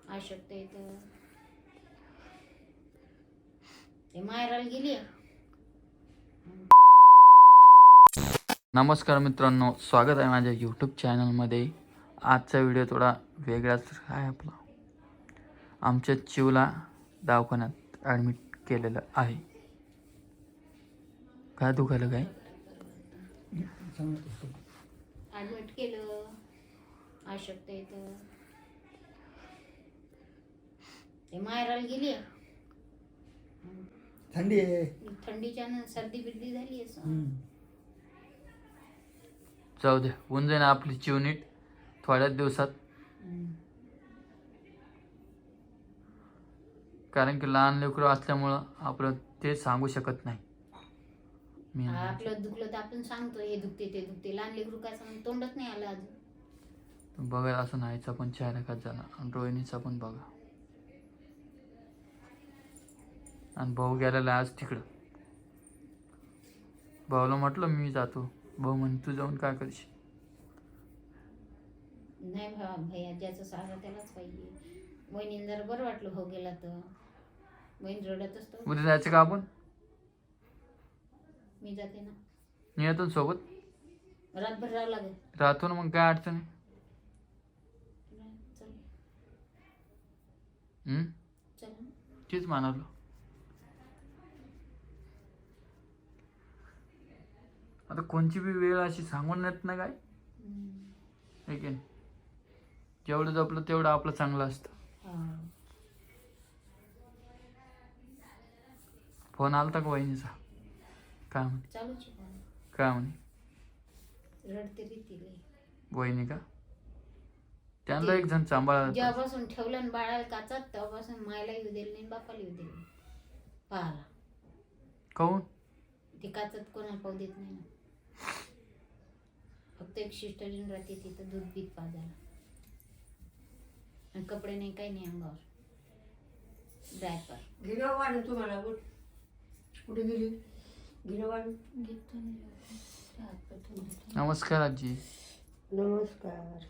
अशक्त येतं ते मायराला गेली. नमस्कार मित्रांनो, स्वागत आहे माझ्या यूट्यूब चॅनलमध्ये. आजचा व्हिडिओ थोडा वेगळाच आहे आपला. आमच्या चिवला दवाखान्यात ॲडमिट केलेलं आहे. काय दुखायलं काय? ॲडमिट केलं. अशक्त येतं ते मायराला गेली. थंडी आहे. थंडीच्यानं सर्दी बिर्दी झाली असं. जाऊ दे, होऊन जाईन आपली चिव नीट थोड्याच दिवसात. कारण की लहान लेकरं असल्यामुळं आपलं ते सांगू शकत नाही. मी आपलं दुखलं तर आपण सांगतो हे दुखते ते दुखते. लहान लेकरू काय सांग तोंडच नाही आलं अजून. बघा असं नाहीचा पण चेहरा खात झाला आणि रोहिणीचा पण बघा. आणि भाऊ गेलेला आज तिकडं. भाऊला म्हटलं मी जातो. भाऊ म्हणे तू जाऊन काय करशील? नाही भैया ज्याचं सहारा त्यालाच पाहिजे. बहिणीला जरा बरं वाटलं भाऊ गेला तर. बहीण रडत असतो. उद्या जायचं का आपण? मी जाते ना. मी येतो ना सोबत. रातभर राहावं लागेल. राहतो ना, मग काय अडचण आहे? चल चल. तेच म्हणालो. आता कोणची बी वेळ अशी सांगून येत ना काय, है की नाही? जेवढं जपलं तेवढं आपलं चांगलं असतं. फोन आलता का वहिनीचा? काय म्हणे? चालूच आहे. काय म्हणे? रडते रीतीले वहिनी का? त्यांना एक जण सांभाळा. जेव्हापासून ठेवलं ना बाळाला काचात तेव्हापासून मायला येऊ दिलं नाही बापाला येऊ दिलं पाहाला. काहून? ते काचात कोणाला पाहू देत नाही ना. फक्त एक सिस्टरीन राहते तिथं दूध बीत पाजायला. आणि कपडे नाही काही नाही अंगावर. ड्रायपर गिरं वाढून तुम्हाला कुठे गेली? गिरं वाढून घेतो. नमस्कार आजी. नमस्कार.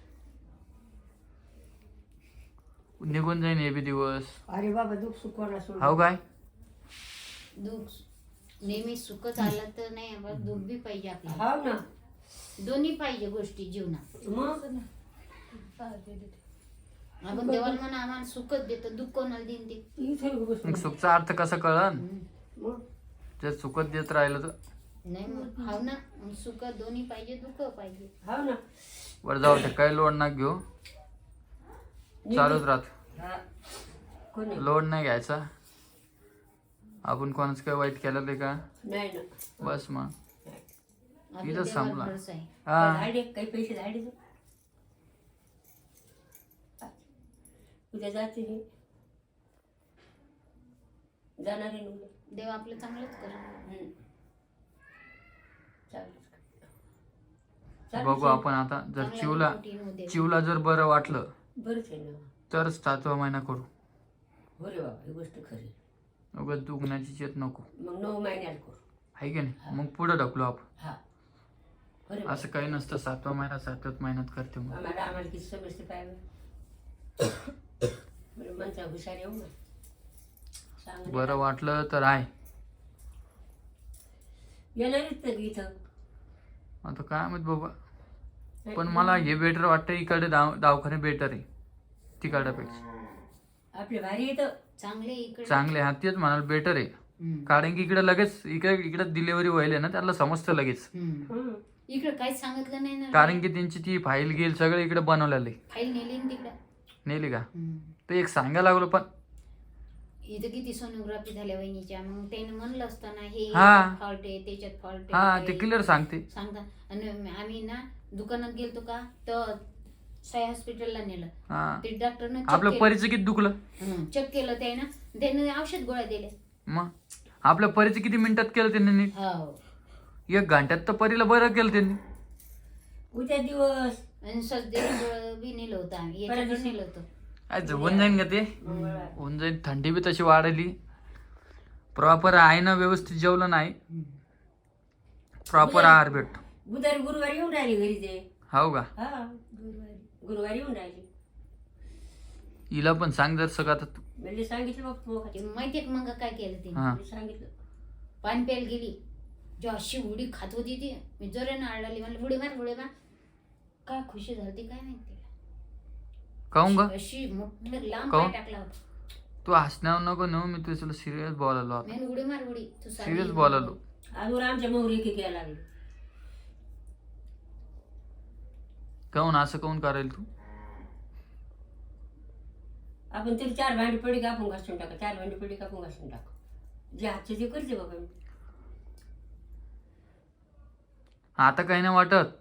निघून जाईन हे बी दिवस. अरे बाबा दुःख सुखवाना सोड. हाव काय? दुःख नेहमी सुखच आलं तर नाही. बस दुःख बी पाहिजे आपल्याला. हाव ना. दोन्ही पाहिजे गोष्टी जीवनात. मग आपण देवाला म्हणा आम्हाला सुखच देतो. दुःख कोणाला देईन ते. इथे बस. मग सुखचा अर्थ कसा कळन? मग जर सुखत देत राहिलं तर. नाही मग हाव ना. मग सुख दोन्ही पाहिजे दुःख पाहिजे. हाव ना. बरं जाऊ दे, काही लोड ना घेऊ. चालूच राहत. हा. कोणी? लोड नाही घ्यायचा. आपण कोणाचं काही वाईट केलं ते का? नाही ना. बस मग आपलं इथं देवावर संपला. भरोसा आहे. हा, धाडे काही पैसे धाडे तू. उद्या जाते मी. जाणार आहे ना उद्या. देव आपलं चांगलंच कर. बघू आपण आता. जर चिवला जर बरं वाटलं बरंच आहे ना. तरच 7वा महिना करू. हो रे बाबा ही गोष्ट खरी. उगाच दुखण्याची चेत नको, मग 9 महिन्यात करू. आहे की नाही? मग पुढे ढकलू आपण. हा. हो रे बाबा. असं काही नसतं. 7वा महिना 7च महिन्यात करते मग. आम्हाला किती समजते पाहिजे. बरं म्हणता हुशार येऊ ना. सांग बरं वाटलं तर आहे. येणारच तर इथं. आता काय माहित बाबा. पण मला हे बेटर वाटतं. इकडे दवाखाने बेटर आहे तिकडपेक्षा. आपले भारी येतं. चांगले इकडे चांगले. हा तेच म्हणाल बेटर आहे. कारण की इकडे लगेच इकडे डिलिव्हरी व्हायला ना त्याला समजतं लगेच. इकडे काहीच सांगितलं नाही ना. कारण की त्यांची ती फाईल गेल सगळं इकडे बनवलेलं आहे. फाईल नेली ना तिकडे. नेली का? ते एक सांगायला लागलो. पण इथं किती सोनोग्राफी झाल्या वहिनीच्या. मग त्याने म्हणलं असतं ना हे हा. फॉल्ट आहे त्याच्यात फॉल्ट हा, आहे. ते क्लिअर सांगते. सांगता. आणि आम्ही ना दुकानात गेलतो का तर साई हॉस्पिटलला नेलं. हा, ते डॉक्टरने आपलं परीचं किती दुखलं. चेक केलं त्याने औषध गोळ्या दिले. मग आपल्या परीचं किती मिनिटात केलं त्यांनी नीट? हो. 1 घंट्यात तर परीला बरं केलं त्यांनी. उद्या दिवस आणि सध्या बी नेलं होतं आम्ही. याच्याकडे नेलं होतं. काय होऊन जाईन का ते? होऊन जाईन. थंडी बी तशी वाढली. प्रॉपर आहे ना, व्यवस्थित जेवलं नाही. प्रॉपर आहार भेटतो. बुधवारी गुरुवारी येऊन राहिली घरी ते. हो का? हा गुरुवारी येऊन राहिली. हिला पण सांग जर सगळं आता तू. म्हणजे सांगितलं बघ तू ते माहितीये का मग काय केलं ते हा मी सांगितलं पाणी प्यायला गेली जेव्हा अशी उडी खात होती ती मी जोरानं आळली म्हणलं उडी मार काय खुशी झाली काय नाही तिला काहून ग अशी मोठं लांब काहून? पाय टाकला होता तू हसण्यावर नको नेऊ मी तुला सिरियस बोलायलो आता मी उडी मार उडी तू साधी सिरियस बोलायलो अजून आमच्या मोहरी की घ्यायला लागली काहून असं काहून करायला तू आपण तरी 4 भांडी पडी का आपण घासून टाका 4 भांडी पडी का आपण घासून टाका जे हातचे ते करते बाबा मी. आता काही नाही वाटत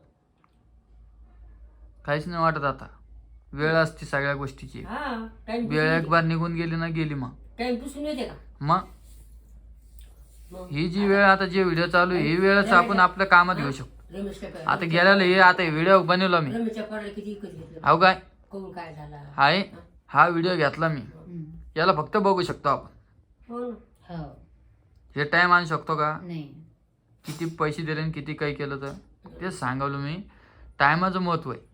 काहीच नाही वाटत आता वेळ असते सगळ्या गोष्टीची हा टाइम वेळ एक बार निघून गेली ना गेली मग टाइम पुसून येते का मग मग ही जी वेळ आता जे व्हिडिओ चालू आहे ही वेळच आपण आपल्या कामात घेऊ शकतो रमेशला काय आता गेल्याला हे आता व्हिडिओ बनवला मी रमेशच्या पडला किती विकत घेतलं अहो काय कोण काय झाला हाय हा व्हिडिओ घेतला मी याला फक्त बघू शकतो आपण हो ना हो हे टाइम आणू शकतो का नाही किती पैसे दिले आणि किती काही केलं तर तेच सांगावलं मी टायमाचं महत्व आहे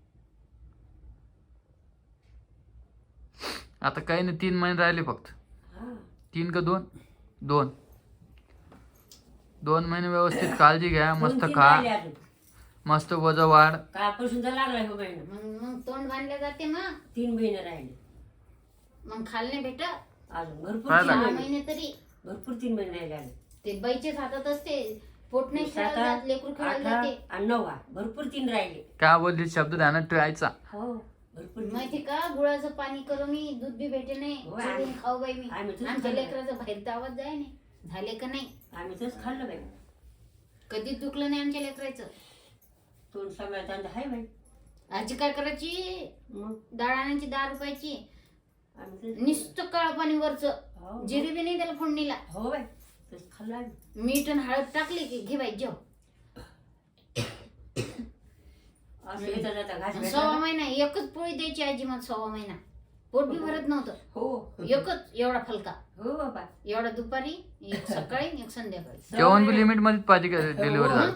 आता काही नाही 3 महिने राहिले फक्त हा 3 का 2 महिने व्यवस्थित काळजी घ्या मस्त 2-3 खा राहिले अजून. मस्त वजन वाढ कालपासून तर लागला हो महिना मग तोंड बांधले जाते मग 3 महिने राहिले मग खाल्ले भेट अजून भरपूर काय 3 6 महिने महिने तरी भरपूर 3 महिने राहिले अजून. ते बाईचेच हातात असते पोट नाही 7, खेळायला जात लेकरू खेळायला 8 जाते आणि 9 भरपूर 3 राहिले काय बोलली शब्द ध्यानात ठेवायचा हो भरपूर माहिती का गुळाचं पाणी करू मी दूध बी भेटे नाही हो, चढून खाऊ बाई मी आम्ही तसंच आमच्या खाल्लं. लेकराचं बाहेर दावत जाय नाही झाले का नाही आम्ही तसं खाल्लं बाई कधीच दुखलं नाही आमच्या लेकराचं तोंड सांभाळता हाय बाई आजी काय करायची मग डाळ आणायची 10 रुपयाची आम्ही तसं- नुसतं काळ पाणी वरच हो, जिरी बी नाही त्याला फोडणीला हो बाई तसं खाल्लं आम्ही मीठ आणि हळद टाकली की घे बाई जेव असं येता जाता घास भेटला 6 ना. महिना एकच पोळी द्यायची आजी मग 6 महिना पोट बी भरत नव्हतं हो एकच एवढा फलका हो बाबा एवढा दुपारी एक सकाळी एक संध्याकाळी जेवण बी लिमिट मध्ये पाहिजे का डिलिव्हरी झाली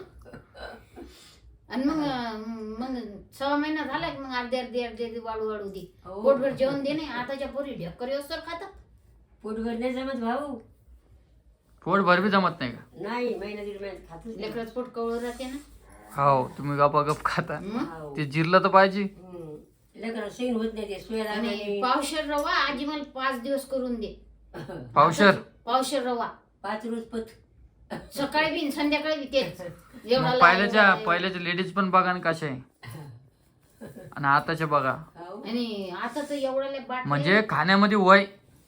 आणि मग 6 महिना झाला की मग अर्धे वाढू दे हो. पोटभर जेवण दे नाही आताच्या पोरी ढेकर असतर खातात पोटभर नाही जमत भाऊ पोट भर बी जमत नाही का नाही महिना 1.5 महिन्यात खातच नाही. लेकराचं पोट कवळ राहते ना हो तुम्ही गप खाता मग हो. ते जिरलं तर पाहिजे लेकरं सहन होत नाही ते सुया आणि दाणे पावशेर रवा आजी मला 5 दिवस करून दे पावशर पावशेर रवा 5 रोज पथ सकाळी बी आणि संध्याकाळी बी तेच एवढा मग पहिल्याच्या लेडीज पण बघा ना कशा आहे आणि आताच्या बघा हो. आणि आता तर एवढ्या बाट म्हणजे खाण्यामध्ये वय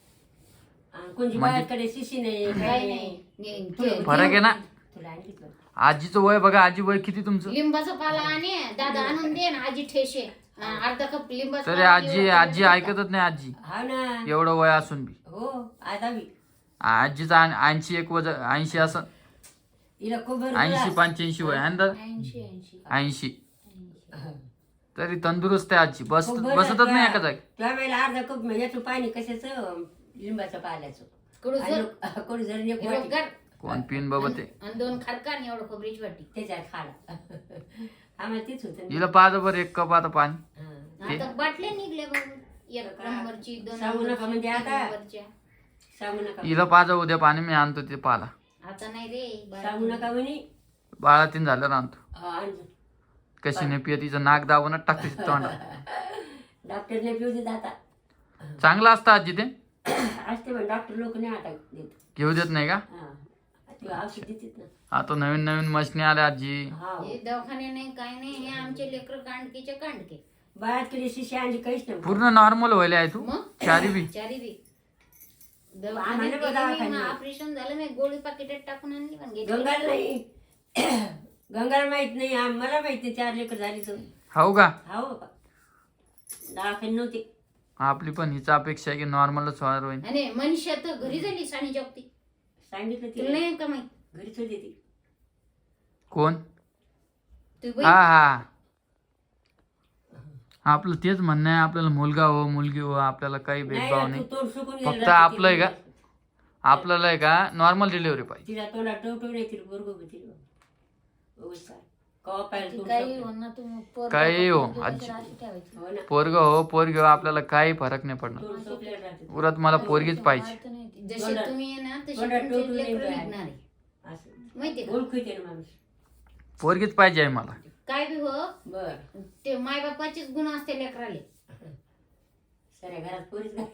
आणि कोणची म्हणजे- बाहेरकडे शिशी नाही काय काही नाही नाही ते फरक आहे ना तुला आणखीच बरं. आजीचं वय बघा आजी वय किती तुमचं लिंबाचा पाला आणि दादा आणून दे ना आजी ठेशे अर्धा कप लिंबाचा तरी पाला आजी एवढा आजी कप ऐकतच नाही आजी हा ना एवढं वय असून बी हो आता बी आजीचं 81 वजन 80 असं हिला खूप भरपूर 80-85 वय आहे ना 80 80 तरी तंदुरुस्त आहे आजी खूप भरपूर बसतच नाही एका जागी त्या वेळेला अर्धा कप याचं पाणी कशाचं लिंबाचं पाल्याचं कडू आणि जर कोणी जर एक वाटी हिरवगार कोण पिन बाबा ते आणि 2 खारका आणि एवढं खोबरीची वाटी त्याच्यात खाला आम्हाला तेच होतं ना. हिला पाहतो बरं 1 कप आता पाणी हा. आता बाटले निघले बाबू 1 नंबरची 2 सांगू नका म्हणजे आता. नंबरच्या सांगू नका हिला पाजा उद्या पाणी मी आणतो ते पाला आता नाही रे सांगू नका म्हणे बाळा तीन झालं आणतो हा, आणलं. कशी नाही पिय तिचं नाक दाबूनच टाकते तोंडात डॉक्टरने पिऊ देत आता चांगलं असतं आजी ते असते पण डॉक्टर लोक नाही आता देत घेऊ देत नाही का हा ते औषध देतात ना आता नवीन नवीन मशनी आल्या आजी हा हे दवाखाने नाही काय नाही हे आमचे लेकर कांडकीचे कांडके बाळाकडे शिशी आणली काहीच नाही पूर्ण नॉर्मल व्हायला आहे तू मग चारी बी चारी बी आम्हाला बघा दवाखान्यात. ऑपरेशन झालं मी गोळी पाकिटात टाकून आणली पण घेतली. गंगाला नाही गंगाला माहित नाही मला माहित नाही 4 लेकर झाली तर हो का हा बाबा दवाखाने नव्हते आपली पण हिचा अपेक्षा आहे की नॉर्मलच व्हायला होईल आणि मनीषा तर घरी झाली सानी जगती सांगितलं तुला तिला नाही का माहित घरीच होती ती कोण तू हा बाई हा आपलं तेच म्हणणं आहे आपल्याला मुलगा हो मुलगी हो आपल्याला काही भेदभाव नाही नाही तू तोंड सुकून फक्त गेलं आपलं आहे का आपल्याला आहे का नॉर्मल डिलिव्हरी पाहिजे तिला तोंडात टवटव नाही तिला बरोबर तिला कवा पाहिजे ती तू काही शकतो. हो ना तू पोरगं काही हो, पोरगी आजी. कशाला अशी ठेवायची? हो ना पोरग हो पोरग हो, आपल्याला काही फरक नाही पडणार. तोंड सोपलेलं राहते. उरत मला पोरगीच पाहिजे. अर्थ नाही ते. जसे तोंडात- तुम्ही आहे ना तसे तोंडात तुमचे टोटून लेकरं येतं आहे. निघणार आहे. असं माहितीये का? ओळखू येते ना माणूस. पोरगीच पाहिजे आहे मला. काय बी हो बर ते मायबापाचेच गुण असते लेकराले. साऱ्या घरात पोरीच नाही.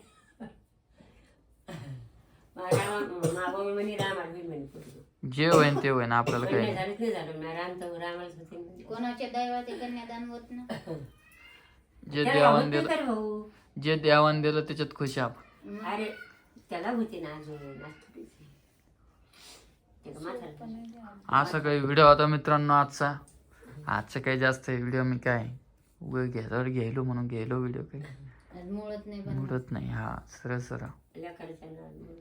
मागो म्हणे रामाला होईल म्हणे पोरगी. जे होईन ते होईन, आपल्याला पण काही नाही नाही. झालं नाही झालं मी राम तर रामालाच होते म्हणे. कोणाच्या दैवाते कन्यादान होत ना. जे त्याला देवान होत नाही दिलं, तर भाऊ. जे देवान दिलं त्याच्यात खुशी आपण. अरे त्याला होते ना अजून आज थोडीच आहे. ते का म्हातारं. असा काही व्हिडिओ होता मित्रांनो आजचा काही जास्त व्हिडिओ मी काय घ्यायच्यावर घ्यायलो म्हणून घ्यायलो व्हिडिओ काही आज मुळत नाही पण उडत नाही. हा सरळ लेकराच्या नावाने.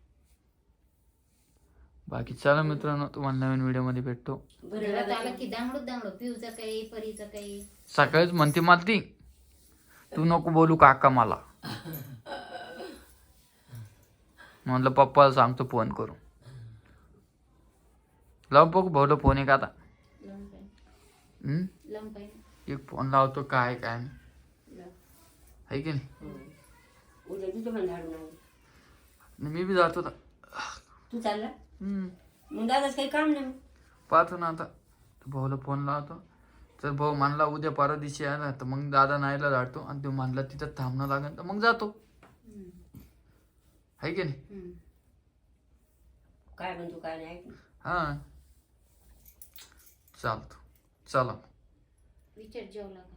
बाकी चला मित्रांनो, तुम्हाला नवीन व्हिडिओ मध्ये भेटतो. बरं घरात लागत आलं की दांगडो पिऊचं काही परीचं काही. सकाळीच म्हणते मला ती, तू नको बोलू काका मला. म्हणलं पप्पाला सांगतो फोन करू. लाव बघू भाऊला फोन आहे का आता. लावून पाहिजे. हम्म? लावून पाहिजे. एक फोन लावतो काय काय नाही. लाव. आहे की नाही. उद्या तिथं पण झाडून आण. आणि मी बी जातो आता. तू चालला हम्म. मग दादाच काही काम नाही. पाहतो ना आता. भाऊला फोन लावतो. तर भाऊ म्हणला उद्या परवा दिवशी आला तर मग दादा नाहीला धाडतो, आणि तो म्हणला तिथं थांबणं लागेल तर मग जातो. हम्म. आहे की नाही. हम्म. काय म्हणतो काय नाही ऐक ना. हा चालतो. चला. विचार जेवला का?